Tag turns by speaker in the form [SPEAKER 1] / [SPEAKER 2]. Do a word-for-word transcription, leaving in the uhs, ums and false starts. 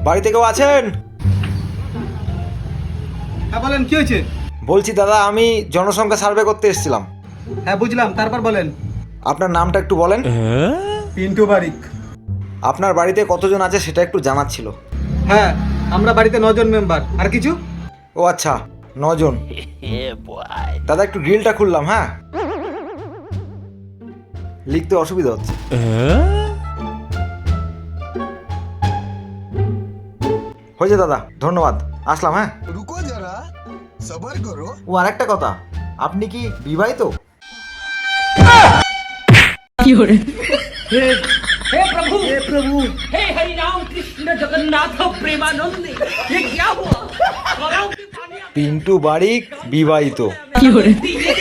[SPEAKER 1] বাড়িতে কেউ আছেন?
[SPEAKER 2] হ্যাঁ বলেন, কি হয়েছে?
[SPEAKER 1] বলছি দাদা, আমি জনসংখ্যা সার্ভে করতে এসেছিলাম।
[SPEAKER 2] হ্যাঁ বুঝলাম, তারপর বলেন।
[SPEAKER 1] আপনার নামটা একটু বলেন।
[SPEAKER 2] পিন্টু বারিক।
[SPEAKER 1] আপনার বাড়িতে কতজন আছে সেটা একটু জানার ছিল।
[SPEAKER 2] হ্যাঁ, আমরা বাড়িতে নজন মেম্বার। আর কিছু?
[SPEAKER 1] ও আচ্ছা, নজন। দাদা একটু গ্রিলটা খুললাম। হ্যাঁ, লিখতে অসুবিধা হচ্ছে। হয়েছে দাদা, ধন্যবাদ, আসলাম। হ্যাঁ,
[SPEAKER 3] रुको जरा सबर करो।
[SPEAKER 1] ও আরেকটা কথা, আপনি কি বিবাহিত?
[SPEAKER 4] हे प्रभु हे प्रभु हे हरि राम कृष्ण जगन्नाथ प्रेमानंद ये क्या हुआ?
[SPEAKER 1] পিন্টু বারিক বিবাহিত।
[SPEAKER 4] কি